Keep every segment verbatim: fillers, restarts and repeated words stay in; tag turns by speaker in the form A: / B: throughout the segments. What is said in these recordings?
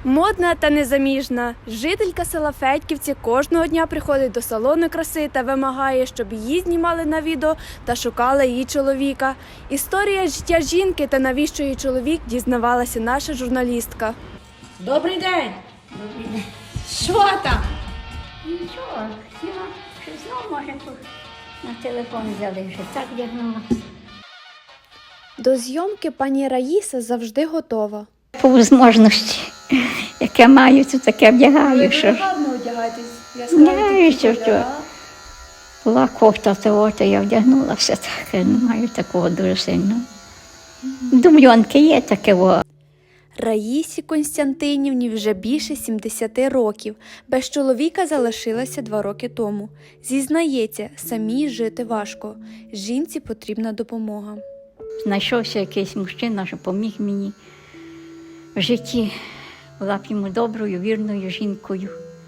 A: Модна та незаміжна. Жителька села Федьківці кожного дня приходить до салону краси та вимагає, щоб її знімали на відео та шукали її чоловіка. Історія життя жінки та навіщо її чоловік дізнавалася наша журналістка.
B: Добрий день!
C: Добрий день.
B: Що там?
C: Нічого, хотіла, що знову, може, тут на телефон взяли, вже так вдягнула.
A: До зйомки пані Раїса завжди готова.
C: По можливості, яке маю, то таке вдягаю. Що ж.
A: гарно одягаєтесь.
C: Вдягаю, що що. Була кофта того, то я вдягнула все так, не маю такого дуже сильно. Думльонки є таке. О.
A: Раїсі Константинівні вже більше сімдесяти років. Без чоловіка залишилася два роки тому. Зізнається, самій жити важко. Жінці потрібна допомога.
C: Знайшовся якийсь мужчина, що поміг мені в житті. Була б йому доброю, вірною жінкою.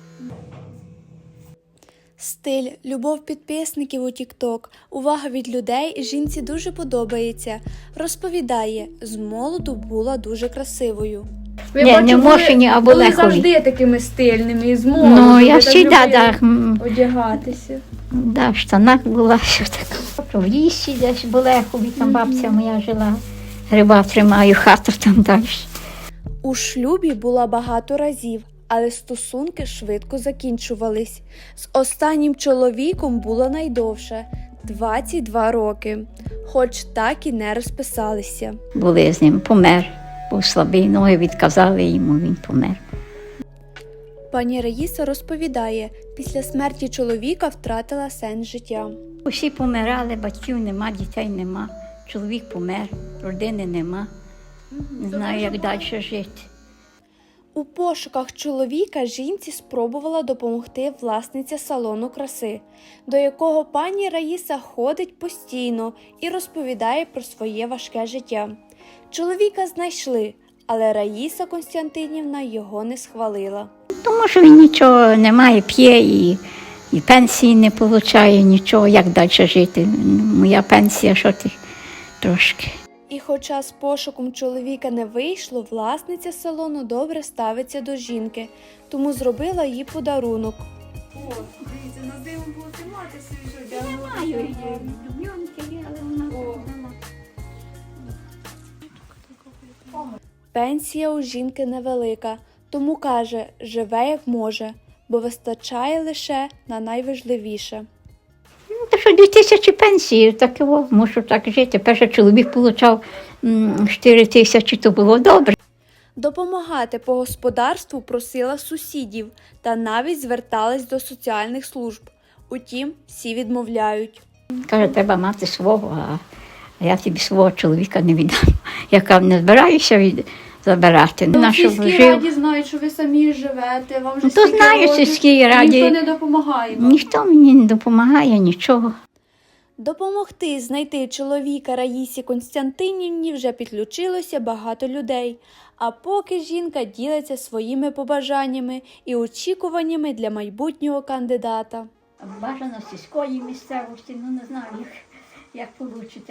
A: Стиль, любов підписників у тік-ток, увага від людей жінці дуже подобається. Розповідає, з молоду була дуже красивою.
B: Ви
C: Ні,
B: бачу,
C: не в Мошені, а
B: були
C: Болехові.
B: завжди такими стильними, і з молоду.
C: Ну,
B: ви
C: я
B: так
C: завжди,
B: любили
C: так. м,
B: одягатися.
C: Да, в штанах була, що таке. В лісі десь в Болехові, там бабця моя жила. Гриба тримаю, хату там далі.
A: У шлюбі була багато разів, але стосунки швидко закінчувались. З останнім чоловіком було найдовше – двадцять два роки, хоч так і не розписалися.
C: Були з ним, помер. Був слабий, ноги відказали йому, він помер.
A: Пані Раїса розповідає, після смерті чоловіка втратила сенс життя.
C: Усі помирали, батьків нема, дітей нема. Чоловік помер, родини нема. Не знаю, як далі жити.
A: У пошуках чоловіка жінці спробувала допомогти власниця салону краси, до якого пані Раїса ходить постійно і розповідає про своє важке життя. Чоловіка знайшли, але Раїса Константинівна його не схвалила.
C: Тому що він нічого не має, п'є і, і пенсії не отримує, нічого, як далі жити. Моя пенсія, що ти трошки.
A: І хоча з пошуком чоловіка не вийшло, власниця салону добре ставиться до жінки, тому зробила їй подарунок.
B: О, дивіться, на зиму будете мати свіжу
C: Не маю, дубльонки є, але вона
A: Пенсія у жінки невелика, тому каже, живе як може, бо вистачає лише на найважливіше.
C: Ну, то що дві тисячі пенсії, так його, мушу так жити. Перший чоловік отримав чотири тисячі, то було добре.
A: Допомагати по господарству просила сусідів та навіть зверталась до соціальних служб. Утім, всі відмовляють.
C: Каже, треба мати свого, а я тобі свого чоловіка не віддам. Я не збираюся від... забирати.
B: Ну,
C: На
B: в
C: що
B: сільській
C: жив.
B: раді знають, що ви самі живете, вам вже
C: Ну, то
B: стільки
C: знаю, в
B: років,
C: сільській раді.
B: ніхто не допомагає вам.
C: Ніхто мені не допомагає, нічого.
A: Допомогти знайти чоловіка Раїсі Константинівні вже підключилося багато людей. А поки жінка ділиться своїми побажаннями і очікуваннями для майбутнього кандидата.
C: Бажано сільської місцевості, ну не знаю, як, як вийде.